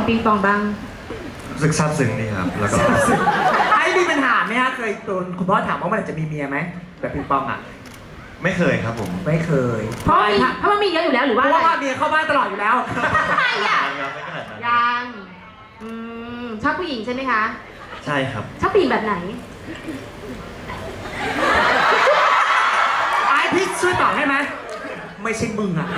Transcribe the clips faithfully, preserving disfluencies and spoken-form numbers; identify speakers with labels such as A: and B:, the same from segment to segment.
A: ปิงปองบ้าง
B: รู้สึกซาบซึ้งดีครับแล้วก็
C: ไอ้มีปัญหาไหมฮะเคยโดนคุณพ่อถามว่ามันจะมีเมียไหมแบบปิงปองอ่ะ
B: ไม่เคยครับผม
C: ไม่เคย
A: เพราะมีเพราะมันมีเยอะอยู่แล้วหรือ
C: เพ
A: ว่า
C: ราะ
A: อะไร
C: ว่าเมียเข้าบ้านตลอดอยู่แล้ว
A: ใช่อะ
B: ยังไม่ขนาดนั้น
A: ยังอืมชอบผู้หญิงใช่ไหมคะ
B: ใช่ครับ
A: ชอบผู้หญิงแบบไหน
C: ไอ้พี่ช่วยตอบให้ไหมไม่ใช่มึงอ่ะ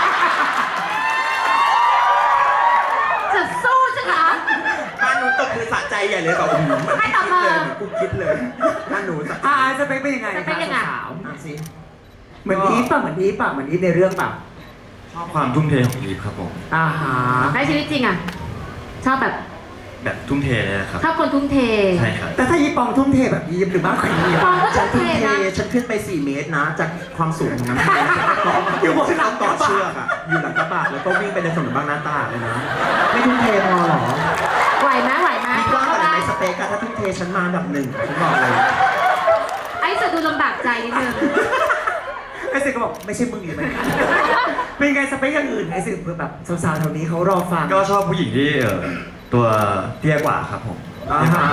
A: จะสู้ใช่ไหม
D: บ้านหนูตกคือสะใจใหญ่เลยแบบอื้อหือ
A: ให้ตอบมา
D: เหมือนกูคิดเลยบ้านหนูสะใจ
C: อ่าสเปคเป็นยังไง
A: สเปคยังไง
C: สาวๆสิเหมือนอีฟป่ะเหมือนอีฟป่ะเหมือนอีฟในเรื่องป่ะ
B: ชอบความทุ่มเทของอีฟครับผม
C: อ่าฮะ
A: ในชีวิตจริงอะชอบแบบ
B: แบบทุ่มเทเลยนะครับ
A: ชอบคนทุ่มเท
B: ใช่ครับ
C: แต่ถ้าอีปองทุ่มเทแบบอีฟหรือมากกว่าอีฟ
A: ปองก็
D: ฉั
A: ทุ่
D: น
A: ม
D: ขึ้
A: เท
D: นเท
A: นะ
D: ฉันขึ้นไปสี่เมตรนะ จากความสูงของน้ำทะเลฉันก็เกาะอยู่บนหลังเกาะเชือกอะอยู่หลังกระบะแล้วก็วิ่งไปในถนนบางนาตราดเลยนะไม่ทุ่มเทพอหรอ
A: ไหวไหมไหวไหม
D: มีกว้างขนาดในสเปกอะถ้าทุ่มเทฉันมาอันดับหนึ่งฉันบอกเลย
A: ไอ้จะดูลำบากใจนิดนึง
C: ไอ้สิก็บอกไม่ใช่มึงอยู่เหมือนกันเป็นไงสเปคอย่างอื่นไอ้สิเผื่อแบบสาวๆแถวนี้เขารอฟัง
B: ก็ชอบผู้หญิงที่เอ่อตัวเตี้ยกว่าครับผม
C: อ่าฮะ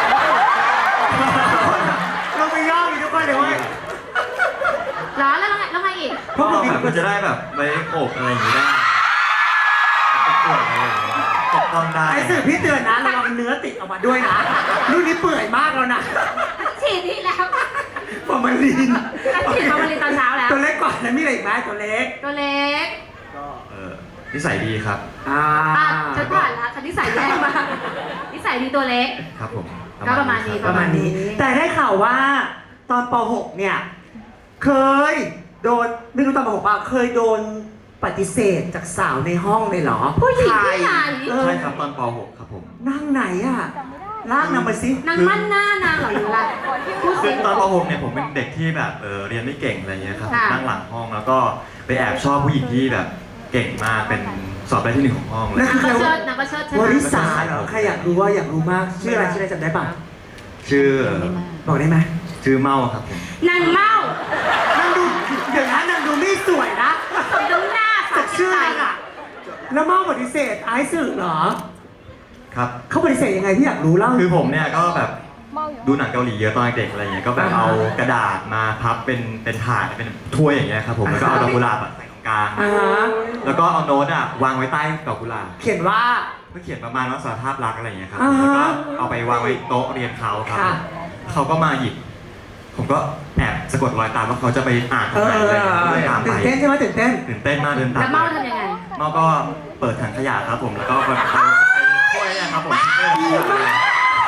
C: เราไปย่ออีกทุกคนเลยเว้ย
A: เหรอแล้วไงแล้วไงอีก
C: เพราะ
B: ก็
C: ปกติ
B: แบบมันจะได้แบบไปโอบอะไรอย่างนี้ได้ปวดอะไรอย่างเงี้ยปกป้องได้
C: ไอ้สื่อพี่เตือนนะระวังเนื้อติดออกมาด้วยนะรุ่นนี้เปื่อยมากแล้วนะ
A: ฉีดที่แล้ว
C: ฟอร์มาลีน
A: ฉีดฟอร์มาลีนตอนเช้าแล้ว
C: ตัวเล็กกว่าแล้วมีอะไรอีกไหมตัวเล็ก
A: ตัวเล็ก
B: ก็เออนิสัยดีครับ
C: อ่า
A: อ่ะฉันผ่านแล้วฉันนิสัยแย่มากนิสัยดีตัวเล็ก
B: ครับผม
A: ก็ประมาณนี้
B: ค
C: ป
B: บ
C: ระมาณนี้ แต่ได้ข่าวว่าตอนป .หก เนี่ย เคยโดนไม่รู้ตอนป .หก ป่ะเคยโดนปฏิเสธจากสาวในห้องเลยเหรอ
A: ผู้หญิงที่ไหน
C: เออ
B: ใช่ครับตอนป .หก ครับผม
C: นั่งไหนอ่ะลากนำมาสิ
A: นางมั่นหน้านางเหรอหรืออะไรพูด
B: คื
A: สิ
B: อตอนป .หก เนี่ยผมเป็นเด็กที่แบบเออเรียนไม่เก่งอะไรเงี้ยครับ
A: ค่ะ
B: นั่งหลังห้องแล้วก็ไปแอบชอบผู้หญิงที่แบบเก่งมากเป็นสอบได้ที่หนึ่งของห้องเลย
A: นางก็เชิดนางก็เชิดใช่ไห
C: ว
A: ม
C: ริษาเหรอใครอยากรู้ว่าอยากรู้มากชื่ออะไรชื่ออะไรจำได้ป่ะ
B: ชื่อ
C: บอกได้ไหม
B: ชื่อเมาครับผม
A: นางเมา
C: นั่งดูเดี๋ยวนะนั่งดูไม่สวยนะ
A: สมน้ำหน้า
C: แต่ชื่ออะไรอ่ะแล้วเมาปฏิเสธไอซ์สื่อเหรอ
B: ครับ
C: เขาปฏิเสธยังไงพี่อยากรู้เล่า
B: คือผมเนี่ยก็แบบดูหนังเกาหลีเยอะตอนเด็กอะไรเงี้ยก็แบบ
C: อ่าฮะ
B: เอากระดาษมาพับเป็นเป็นถาดเป็นถ้วยอย่างเงี้ยครับผมแล้วก็เอาดอกกุหลาบอะใส่ตรงกลาง
C: อ่าฮะ
B: แล้วก็เอาโน้ตอะวางไว้ใต้ดอกกุหลาบ
C: เขียนว่า
B: เพื่อเขียนประมาณว่าสารภาพรักอะไรอย่างเงี้ยครับ
C: อ่าฮะ
B: แล้วก็เอาไปวางไว้โต๊ะเรียนเขาครับ
C: ค่ะ
B: เขาก็มาหยิบผมก็แอบสะกดรอยตามว่าเขาจะไปอ่านต
C: เอ
B: รงไหน
C: อ
B: อะไรอย่างเงี้ยก็เลยตามไป
C: ตื่นเต้นใช่ไหมตื่นเต้น
B: ตื่นเต้นมากเดินตาม
A: แล้วเมาทำยังไง
B: เมาก็เปิดถังขยะครับผมแล้วก็แบบเอาไอ้ถ้วยเนี่ยครับผมที่เป็นขยะ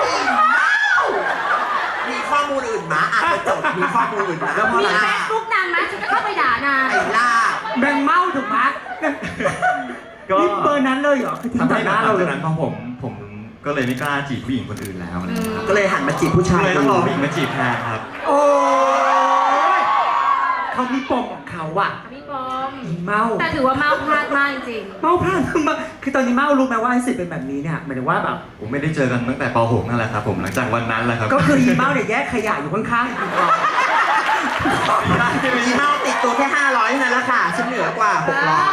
D: มีข้อมูลอื่นมาอาจจะจดมีข้อมูลอื่นมาแล้วพอ
A: มี
D: ละ
A: เฟซบุ๊กนางไหมฉันจะเข้าไปด่านาง
D: ไอ้ล่า
C: แบ่งเมาถูกไหม
B: ก็
C: นี่เบอร์นั้นเลยเหรอคือทิ้ง
B: ทำ
C: ต่
B: ให้
C: อห
B: แบ
C: น้า
B: บหลั
C: เรา
B: ง
C: เล
B: จาก
C: ย
B: นั้นพอผมผมก็เลยไม่กล้าจีบผู้หญิงคนอื่นแล้วอะไรอย่างเงี้ยครับ
D: ก็เลยหันมาจีบผู้ชาย
B: ก็เลยต้องรอผู้หญิงมาจีบแทนครับ
C: โอ้ยเขามีปมของเขาอ่ะ
A: พี่ปม
C: อีเมา
A: แต่ถือว่าเมาพลาดมากจริง
C: เมาพลาดมาคือตอนนี้เมารู้ไหมว่าไอ้สิเป็นแบบนี้เนี่ยหมายถึงว่าแบบ
B: ผมไม่ได้เจอกันตั้งแต่ป .หก นั่นแหละครับผมหลังจากวันนั้นแหละครับ
C: ก็คืออีเมาเนี่ยแยกขยะอยู่ข้างๆอีกก่อน
D: มีเมาติดตัวแค่ห้าร้อยนั่นแหละค่ะฉันเหนือกว่าหกร้อย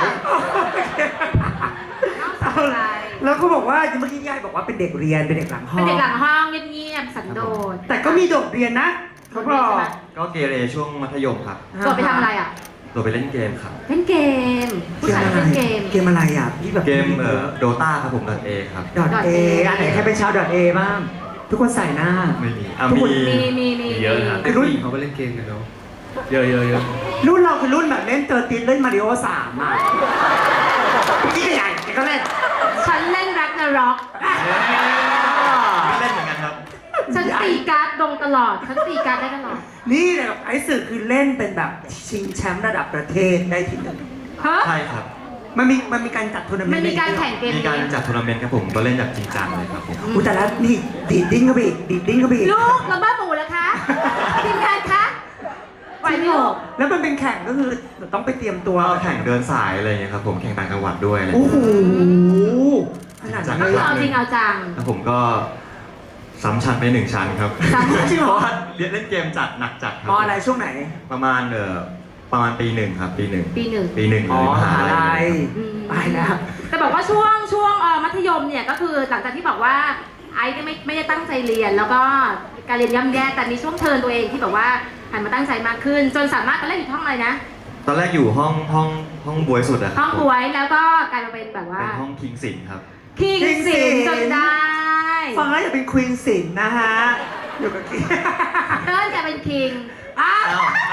A: เอาอะไร
C: แล้วก็บอกว่าเมื่อกี้ยายบอกว่าเป็นเด็กเรียนเป็นเด็กหลังห้
A: เป็
C: อน ง
A: เด็กหลังห้องเงียบๆสันโดษ
C: แต่ก็มีโดดเรียนนะเขาบอก
B: ก็เกเรช่วงมัธยมครับ
A: ตัวไปทำอะไรอ่ะ
B: ตัวไปเล่นเกมครับ
A: เล่นเกม ผู้ชายเล่นเกม
C: เกมอะไรอ่ะพี่แบบ
B: เกมเอ่อโดตาครับผมดอทเอครับ
C: ดอทเอ
A: .A
C: อันไหนใครเป็นชาวดอทเอบ้างทุกคนใส่หน้า
B: ไม่มีอ่ะ
C: ทุกคน
B: มี
A: มีมีมี
B: เยอะครับ
C: ไอ้รุ่น
E: เขาก็เล่นเกมกันเนาะเยอะเยอะเยอะ
C: รุ่นเราคือรุ่นแบบเล่นเตอร์ตินเล่นมาริโอสามอ่ะพี่ใหญ่แกก็เล่น
A: ฉันเล่นแร็กนาร็อก
B: ไม่เล่นเหมือนกันครับ
A: ฉันตีการ์ดลงตลอด ฉันตีการ์ดได้ตลอด
C: นี่แหละไอ้สื่อคือเล่นเป็นแบบชิงแชมป์ระดับประเทศได้ที่หนึ่ง
A: ฮะ
B: ใช่ครับ
C: มันมีมันมีการจัดทัวร์นาเมน
A: มัน
C: ต์
A: มีการแข่งเกม
B: มี
A: นี้
B: การจัดทัวร์นาเมนต์ครับผมก็เล่นแบบจริงจังเลยครับผม
C: อุยแต่ละนี่ดีดดิ้งเข้าไปอีกดีดดิ้งเข้าไปอีก
A: ลูกเราบ้าหมูแล้วคะทีมงานคะไหวไหมลูก
C: แล้วมันเป็นแข่งก็คือต้องไปเตรียมตัว
B: ก็แข่งเดินสายอะไรอย่างเงี้ยครับผมแข่งต่างจังหวัดด้วยอะไรอย่าง
C: โอ้
B: เงี้ย
C: โหขนาดนั้น
A: ต้
C: เล
A: อง
C: ย
A: เอาจริงเอาจัง
B: แล้วผมก็ซ้ำชั้นไปหนึ่งชั้นครับ
A: ซ้ำ
C: จริงเหร
B: เพ
C: อ
B: ราะว่าเรียนเล่นเกมจัดหนักจัดครั
C: มออะไรช่วงไหน
B: ประมาณเอ่อปประมาณปีหนึ่งครับปีหนึ่ง
A: ปีหนึ่ง
B: ปีหนึ่ง
C: อ๋อ
B: เลย
C: มหาลัย
A: อืม
C: ไปแล้ว
A: แต่บอกว่าช่วงช่วงเอ่อมัธยมเนี่ยก็คือหลังจากที่บอกว่าไอซ์เนี่ยไม่ไม่ได้ตั้งใจเรียน แล้วก็การเรียนย่ำแย่แต่มีช่วงเทิร์นตัวเองที่แบบว่าหันมาตั้งใจมากขึ้น จนสามารถตอนแรกอยู่ห้องอะไรนะ
B: ตอนแรกอยู่ห้องห้องห้องบวยสุดอะค
A: ห้
B: รั
A: อบ ง
B: ผม
A: บวยแล้วก็กลายมาเป็นแบบว่า
B: เป็นห้องคิงสินครับ
A: คิง
C: King
A: สิน
C: สิน
A: จนได้
C: ฟังแล้วอย่าเป็นควีนสินนะฮะ อยู่กับกี้
A: เติ้ลจะเป็นคิง
C: อ้าว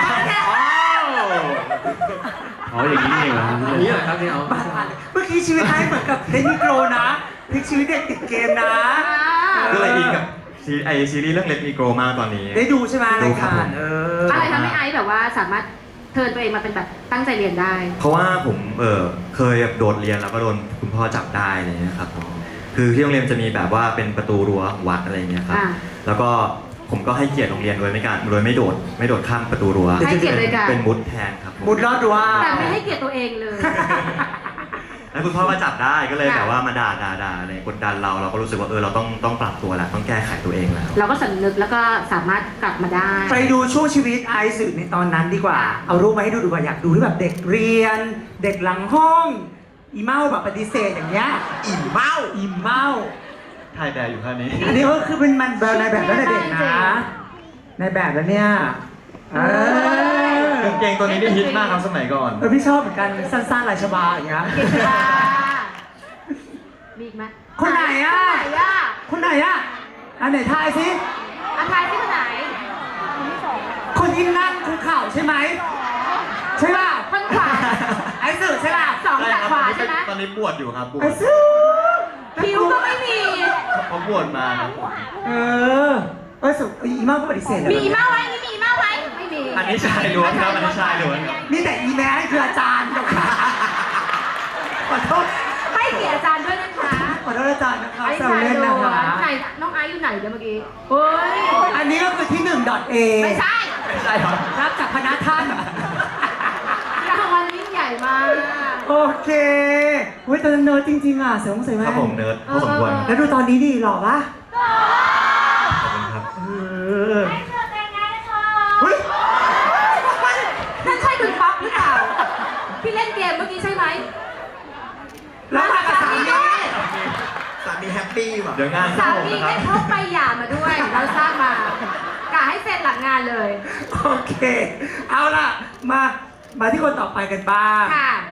E: อ๋ออย่างนี้เองเหรออย่างนี้เหรอครับเนี่ยเอา
C: เมื่อกี้ชีวิตไทยเหมือนกับเดนิโกรนะพลิกชีวิตเด็กติดเกมนะ
B: ก็เลยอินกับซีไอซีรีส์เรื่องเล็กมีโกรมากตอนนี้
C: ได้ดูใช่ไหม
B: ดู
C: ราย
B: ครับ
C: การ
B: ผม
C: เออ
A: อะไรทำให้ไอซ์แบบว่าสามารถเทิร์นตัวเองมาเป็นแบบตั้งใจเรียนได้
B: เพราะว่าผมเออเคยแบบโดดเรียนแล้วก็โดนคุณพ่อจับได้อะไรเงี้ยครับผมคือที่โรงเรียนจะมีแบบว่าเป็นประตูรั้วของวัดอะไรเงี้ยครับ
A: อ่า
B: แล้วก็ผมก็ให้เกียรติโรงเรียนโดยไม่การโดยไม่โดดไม่โดดข้ามประตูรั้ว
A: ให้เกียรติเลยกัน
B: เป็นมุดแทนครับผม
C: มุดรอดรั้ว
A: แต่ไม่ให้เกียรติตัวเองเลย
B: แล้วคุณพ่อก็จับได้ก็เลย
A: ค่ะ
B: แบบว่ามาด่าด่าด่าอะไรกดดันเราเราก็รู้สึกว่าเออเราต้องต้องปรับตัวแล้วต้องแก้ไขตัวเองแล้ว
A: เราก็สำนึกแล้วก็สามารถกลับมาได้
C: ไปดูช่วงชีวิตไอซ์ในตอนนั้นดีกว่า
A: ค่ะ
C: เอารูปมาให้ดูดีกว่าอยากดูที่แบบเด็กเรียน เด็กหลังห้อง อีเมาแบบปฏิเสธอย่างเงี้ย
D: อิ่มเมา
C: อีเมา
B: ถ่ายแบบอยู่แค่นี้
C: อันนี้ก็คือเป็นมันแบบในแบบแล้วแต่เด็กนะในแบบแล้วเนี่ยเออก
B: างเกงตัวนี้นี่ฮิตมากครับสมัยก่อน
C: เออพี่ชอบเหมือนกันสั้นๆลายชบาอย่างเงี้ย
A: เกชลามีอีกไหม
C: คนไหนอะ
A: คนไหนอะ
C: คนไหนอะอันไหนทายสิ
A: อาทายที่คนไหน
C: คนที่นั่งคุกเข่าใช่ไหมใช่ป่ะ
A: คนขวา
C: ไอ้สื่อใช่ป่ะ
A: สองจากขวาใช่ไหม
B: ตอนนี้ปวดอยู่ครับปวด
C: ไอ้สื่อ
A: คิ้วก็ไม่มี
B: เพราะปวดมาครับ
C: เออเออสุดอีมาก็ปฏิเสธเลย
A: มีอีเมาไว้นี่มีอีเมาไว้ไม่มี
B: อันนี้ชายล้วนครับอันนี้ชายล้วนครับ
C: มีแต่อีแม้คืออาจารย์กับขาขอโทษ
A: ให้เกียรติอาจารย์ด้วยนะคะ
C: ขอโทษอาจารย์นะคะ
A: ไอ้
C: แซว
A: ชาย
C: เล่น
A: โด
C: นะ
A: น
C: คะ
A: ไหนน้องไอซ์อยู่ไหนเดี๋ยวเมื่อกี้เฮ้ย
C: อันนี้ก็คือที่หนึ่งดอทเอ
A: ไม่ใช่
B: ไม่ใช่ครับ
C: รับจากพนักท่าน
A: รางวัลยิ่งใหญ่มาก
C: โอเคเว้ยตอนนั้นเนิร์ดจริงๆอ่ะเสียงใส่แว่น
B: ครับผมเนิร์ดพอสมควร
C: แล้วดูตอนนี้ดีหล่อปะ
B: ขอบคุณครับ
C: เออเฮ้ย
A: นั่นใช่คุณป๊อกหรือเปล่าที่เล่นเกมเมื่อกี้ใช่ไหม
C: แล้วมากับสามี
D: สามีแฮปปี้ว่ะ
B: เดี๋ยวงาน
A: สา
B: เข้าผม
A: มี
B: นะค
A: ได้
B: รับ
A: พกใบหย่ามาด้วย เราทราบมากะให้เซ็นหลังงานเลย
C: โอเค เอาล่ะ มา มาที่คนต่อไปกันบ้าง
A: ค่ะ